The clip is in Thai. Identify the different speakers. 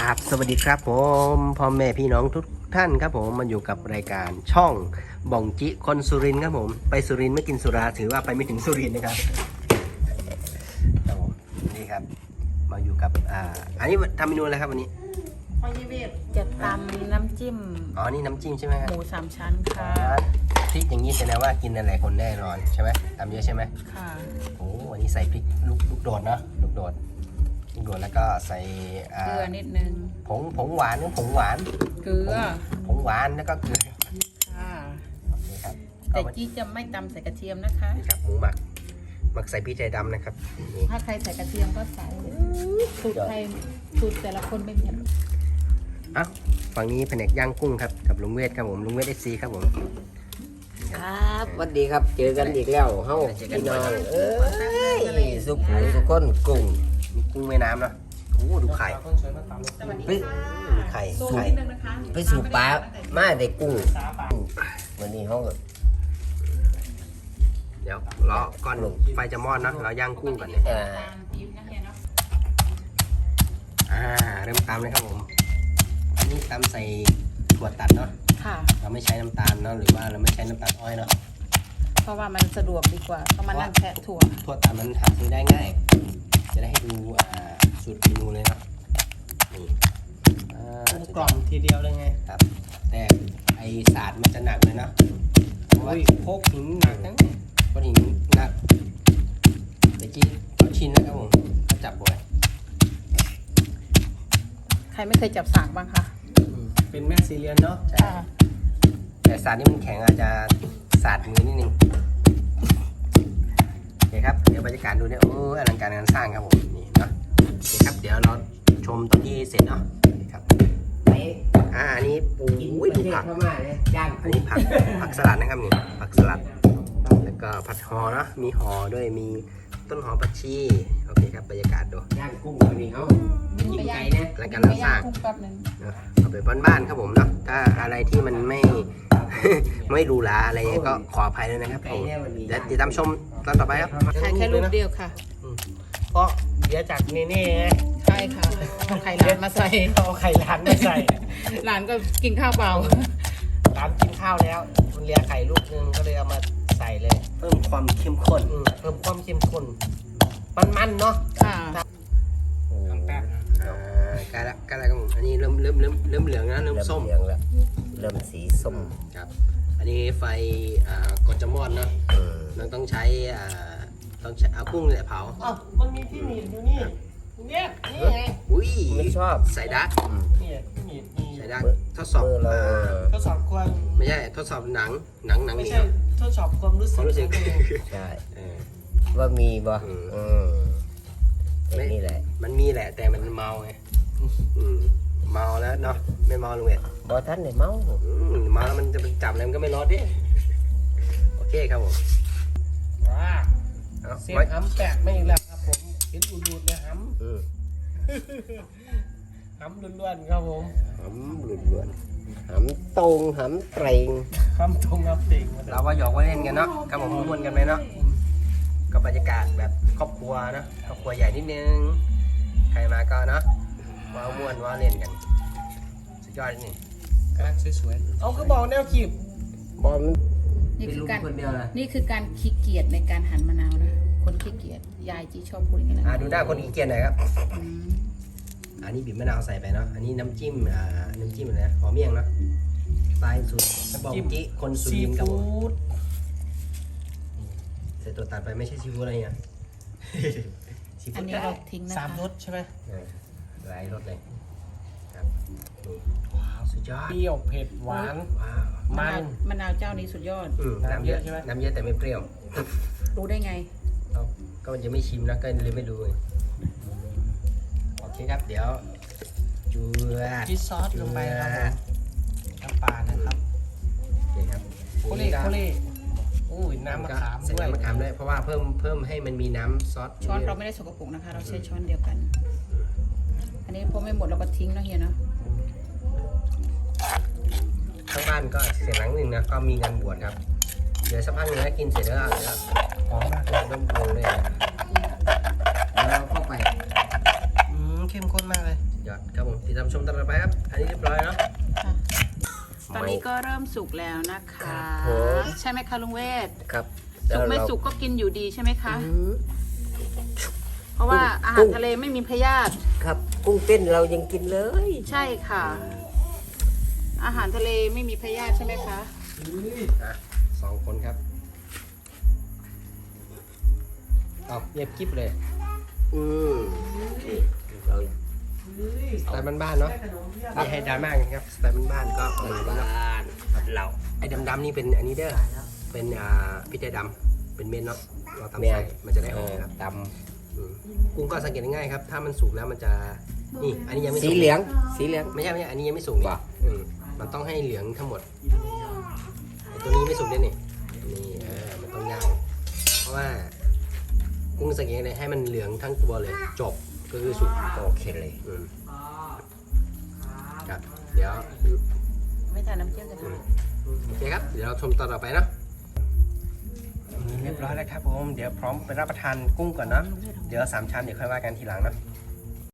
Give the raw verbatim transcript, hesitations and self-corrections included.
Speaker 1: ราบสวัสดีครับผมพ่อแม่พี่น้องทุกท่านครับผมมันอยู่กับรายการช่องบ่องจิคนสุรินทร์ครับผมไปสุรินทร์ไม่กินสุราถือว่าไปไม่ถึงสุรินทร์นะครับครับผมนี่ครับมาอยู่กับอ่าอันนี้ทำเมนูอะไรครับวันนี้
Speaker 2: พอยีเวทจะตำน้ำจิ้ม
Speaker 1: อ๋อนี่น้ำจิ้มใช่ไหมครับ
Speaker 2: หมูสามชั้นค่ะ
Speaker 1: พริกอย่างนี้แสดงว่ากินหลายๆคนแน่นอนใช่ไหมทำเยอะใช่ไหม
Speaker 2: ค่ะ
Speaker 1: โอ้วันนี้ใส่พริกลูกลูกโดดเนาะลูกโดดลูกโดดแล้วก็ใส่
Speaker 2: เกลือนิดนึง
Speaker 1: ผงผงหวานหรือผงหวาน
Speaker 2: เกลือ
Speaker 1: ผงหวานแล้วก็เกลือ
Speaker 2: ค่ะ
Speaker 1: โอเคครับ
Speaker 2: แต่จี้จะไม่ตำใส่กระเทียมนะคะ
Speaker 1: นี่ครับหมูหมักหมักใส่พริกไทยดำนะครับนี่
Speaker 2: ถ้าใครใส่กระเทียมก็ใส่สูตรใครสูตรแต่ละคนไม่เหมือน
Speaker 1: อ่ะฝั่งนี้แผนกย่างกุ้งครับกับลุงเวทครับผมลุงเวทเอฟซีครับผม
Speaker 3: ครับสวัสดีครับเจอกันอีกแล้วเฮ้าพี่น้องเอ้ยสุขุมสุขคนกุ้ง
Speaker 1: มีกุ้งแม่น้ำเนาะโอ้ดูไข่
Speaker 3: ไป
Speaker 1: ดูไข่
Speaker 2: สูตร
Speaker 1: ไข่
Speaker 2: นิดนึงนะคะ
Speaker 3: ไปสู่ปลามาได้กุ้งวันนี้เขาก็
Speaker 1: เดี๋ยวรอก่อนไฟจะมอดเนาะเราย่างกุ้งก่อนเนี่ย
Speaker 3: เอ่อ
Speaker 2: ตามปี๊บนะเฮียเนาะ
Speaker 1: อ่าเริ่มตำเลยครับผมอันนี้ตำใส่ถั่วตัดเนาะ
Speaker 2: ค่ะ
Speaker 1: เราไม่ใช้น้ำตาลเนาะหรือว่าเราไม่ใช้น้ำตาลอ้อยเนาะ
Speaker 2: เพราะว่ามันสะดวกดีกว่าต้องมานั่งแคะถั่ว
Speaker 1: ถั่วตัดมันหาซื้อได้ง่าย จะได้ให้ดูอ่าสูตรเมนูเลยเนาะนี่อ่าก
Speaker 4: ล่อมทีเดียวเลยไง
Speaker 1: ครับแต่ไอศาสตร์มันจะหนักเลยเนาะเพราะว่า
Speaker 4: พกหินหนักทั้ง
Speaker 1: ก้อนหินหนักเมื่อกี้เขาชินนะครับผมเขาจับบ่อย
Speaker 2: ใครไม่เคยจับสากบ้างคะ
Speaker 4: เป็นแม่ซีเรียนเนาะ
Speaker 1: ใช่แต่ศาสตร์นี่มันแข็งอาจจะศาสตร์มือนิดนึงโอเคครับเดี๋ยวบรรยากาศดูเนี่ยโอ้อลังการงานสร้างครับผมนี่เนาะโอเคครับเดี๋ยวเราชมตอนที่เสร็จเนาะครับ
Speaker 3: ไป
Speaker 1: อ่าอันนี้ปู
Speaker 3: กิน
Speaker 1: อุ้ย
Speaker 3: ประ
Speaker 1: ดู
Speaker 3: เทศ
Speaker 1: ผัก
Speaker 3: พม่าเลยย่าง
Speaker 1: อัน
Speaker 3: กุ้ง
Speaker 1: นี้ผักผักสลัดนะครับนี่ผักสลัดแล้วก็ผัดหอเนาะมีหอด้วยมีต้นหอมผักชีโอเคครับบรรยากาศดู
Speaker 3: ย่างกุ้งวันนี้เขากินไก่นะ
Speaker 1: รายการเราสร้าง
Speaker 2: กุ้งแป๊บนึง
Speaker 1: เนอะเอาไปบ้านๆครับผมเนาะถ้าอะไรที่มันไม่ ไม่หรูหราอะไรเงี้ยก็ขออภัยด้วยนะครับ
Speaker 3: ไก่
Speaker 1: ผม
Speaker 3: เนี่ยวันนี้
Speaker 1: เดี๋ยวติดตามชมตอนต่อไปครับ
Speaker 2: ถ่ายแค่รูปเดียวค่ะ
Speaker 4: เพราะเดี๋ยวจากเน่ๆไง
Speaker 2: ใช่ค่ะเอาไข่ร้านมาใส่
Speaker 4: เอาไข่ร้านมาใส่
Speaker 2: ร้านก็กินข้าวเปล่า
Speaker 4: ร้านกินข้าวแล้วมันเหลียไข่ลูกนึงก็เลยเอามาใส่เลย
Speaker 1: เพิ่มความเข้มข้น
Speaker 4: อืมเพิ่มความเข้มข้นมันๆเนาะ
Speaker 2: ค่ะ
Speaker 4: ทำแป๊บนะ
Speaker 1: อ่าใกล้ละใกล้ละครับผมอันนี้เริ่มเริ่มเริ่มเริ่มเหลืองแล้วเริ่มส้ม
Speaker 3: เริ่เหลืองแล้วเริ่มสีส้ม
Speaker 1: ครับ อันนี้ไฟอ่ากดจะมอดเนาะ
Speaker 3: เออ
Speaker 1: เราต้องใช้อ่าต้องใช้เอากุ้งเนี่ยเผา
Speaker 4: อ้าวมันมีที่หนีบอยู่นี่เนี่ยนี่ไง
Speaker 1: อุ้ย
Speaker 3: ไม่ชอบ
Speaker 1: ใส่ดัก
Speaker 3: อืม
Speaker 4: นี่ที่หนีบนี่
Speaker 1: ใส่ดักทดสอบ
Speaker 3: มือเรา
Speaker 1: อ่า
Speaker 4: ทดสอบความ
Speaker 1: ไม่ใช่ทดสอบหนังหนังหนัง
Speaker 4: ไม่
Speaker 1: นี่
Speaker 4: ใช่
Speaker 1: ครับ
Speaker 4: ทดสอบความรู้
Speaker 1: ค
Speaker 4: สึ
Speaker 1: วาก มรู้สึก
Speaker 3: ใช่
Speaker 1: เออ
Speaker 3: ว่ามีบ่
Speaker 1: อืม
Speaker 3: อืมไอ้นี่แหละ
Speaker 1: มันมีแหละแต่มันเมาไงอืมเมาแล้วเนาะไม่เมาลุงเอ็ด
Speaker 3: บ่ทันได้เมา
Speaker 1: อืมเมาแล้วมันจะไปจับอะไรมันก็ไม่รอดดิโอเคครับผม
Speaker 4: ว้า
Speaker 1: เอา
Speaker 4: เสียง
Speaker 1: ไว้
Speaker 4: หำแปะไม่อีกแล้วครับผมเห็นดูดๆเลยห
Speaker 3: อืม
Speaker 4: ำหำล้วนๆครับผม
Speaker 3: หำล้วนๆหำตรงหำเตรง
Speaker 4: คำตรงคำติ่งมา
Speaker 1: เราว่าหยอกว่าเล่นกันเนาะครับผมม้วนกันไปเนาะก็บรรยากาศแบบครอบครัวเนาะครอบครัวใหญ่นิดนึงใครมาก็เนาะว้าวม้วนว้าวเล่นกันสุดยอดนี่
Speaker 4: กำลังสวยๆเอาคือบอกแนวขีบ
Speaker 3: บอลมัน
Speaker 2: นี่
Speaker 3: เป็น
Speaker 2: คือ
Speaker 3: ลูก
Speaker 2: การ
Speaker 3: คนเดียวนะ
Speaker 2: นี่คือการขี้เกียจในการหั่นมะนาวนะ คนขี้เกียจยายจีชอบพูดอย่างนี้นะ
Speaker 1: อ่าดูหน้าคนอีเกียนหน่อยครับ
Speaker 2: อืม
Speaker 1: อันนี้บีบมะนาวใส่ไปเนาะ อันนี้น้ำจิ้ม อ่า น้ำจิ้มอะไรนะหอมเมี่ยงเนาะสไตล์สุดบอกจิคนสุ
Speaker 4: ซี
Speaker 1: รินทร์ครับผ
Speaker 4: ฟู้
Speaker 1: ม
Speaker 4: ด
Speaker 1: ใส่ตัวตัดไปไม่ใช่ซีฟู้ดอะไรเนี่ย ซี
Speaker 2: อั
Speaker 1: ฟู้
Speaker 2: น
Speaker 1: ด
Speaker 2: นี้เราทิ้งนะ
Speaker 4: สาม
Speaker 2: คะ
Speaker 4: รสใช่ไหม
Speaker 1: เออหลายรสเลย ครับนี่ว้าวสุดยอด
Speaker 4: เปรี้ยวเผ็ดหวาน
Speaker 1: ว้าว
Speaker 2: มะ
Speaker 4: มัน
Speaker 2: นาวมะนาวเจ้านี้สุดยอด
Speaker 1: อืมน้ำเยอะ
Speaker 4: น้ำเยอะใช่ไหม
Speaker 1: น้ำเยอะแต่ไม่เปรี้ยว
Speaker 2: รู้ได้ไง
Speaker 1: เอาก็มันจะไม่ชิมนะก็เลยไม่รู้ไงโอเคครับ เดี๋ยวจูด
Speaker 4: ชีสซอสลงไปครับผมน้ำปลานะครับ
Speaker 1: โอเคครับ
Speaker 4: โคเล่โคเล่อุ้ยน้ำมะขาม
Speaker 1: ใส่
Speaker 4: ด้วย
Speaker 1: น้ำมะขามด้วยเพราะว่าเพิ่มเพิ่มให้มันมีน้ำซอส
Speaker 2: ช้อนเราไม่ได้สกปรกนะคะ เราใช้ช้อนเดียวกัน อันนี้พอไม่หมดเราก็ทิ้งเนาะเฮียเนาะ
Speaker 1: ข้างบ้านก็เสียงหลังหนึ่งนะก็มีงานบวชครับ เดี๋ยวสักพักหนึงนะกินเสร็จแล้วก็
Speaker 4: หอมมากเลย
Speaker 1: เริ่มโปรเลยนะ
Speaker 3: แล้วเราเข้าไป
Speaker 4: อืมเข้มข้นมากเลย
Speaker 1: ยยอดครับผมติดตามชมตอนต่อไปครับ อันนี้เรียบร้อยเนาะ
Speaker 2: ค่ะตอนนี้ก็เริ่มสุกแล้วนะคะ
Speaker 3: ครับผม
Speaker 2: ใช่ไหมคะลุงเวท
Speaker 3: ครับ
Speaker 2: สุกไม่
Speaker 3: แล้วเรา
Speaker 2: สุกก็กินอยู่ดีใช่ไหมคะ
Speaker 3: อืม
Speaker 2: เพราะว่าอาหารทะเลไม่มีพยาธิ
Speaker 3: ครับกุ้งเต้นเรายังกินเลย
Speaker 2: ใช่ค่ะ อาหารทะเลไม่มีพยาธิใช่ไหมคะ
Speaker 1: อ่ะสองคนครับเอาเงียบกิ๊บเลย
Speaker 3: อืมนี่เรา
Speaker 1: สไตล์บ้านๆเนาะไม่ให้ดราม่ากันครับสไตล์บ้านๆก็ประมาณนี้เนาะ
Speaker 3: บ้านเรา
Speaker 1: ไอ้ดำๆนี่เป็นอันนี้เด้อเป็นอ่าพริกไทยดำเป็นเม็ดเนาะเราตำใส่มันจะได้หอมครับ
Speaker 3: ด
Speaker 1: อืมกุ้งก็สังเกตง่ายๆครับ ถ้ามันสุกแล้วมันจะนี่อันนี้ยังไม่
Speaker 3: ำ
Speaker 1: สุ
Speaker 3: สี
Speaker 1: ก
Speaker 3: เหลือง สีเหลือง
Speaker 1: ไม่ใช่ไม่ใช่อันนี้ยังไม่สุกนี่
Speaker 3: ว่ะ
Speaker 1: อืมมันต้องให้เหลืองทั้งหมดไอ้ตัวนี้ไม่สุกด้วยนี่นี่เออมันต้องย่างเพราะว่ากุ้งสังเกตเลยให้มันเหลืองทั้งตัวเลยจบก็คือสุก
Speaker 3: โอเคเลย
Speaker 1: อืมครับเดี๋ยว
Speaker 2: ไม่ทานน้ำเจียวกันนะ
Speaker 1: โอเคครับ เดี๋ยวเราชมตอนต่อไปเนาะเรียบร้อยแล้วครับผม เดี๋ยวพร้อมไปรับประทานกุ้งก่อนเนาะ เดี๋ยวสามชั้นเดี๋ยวค่อยว่ากันทีหลังเนาะ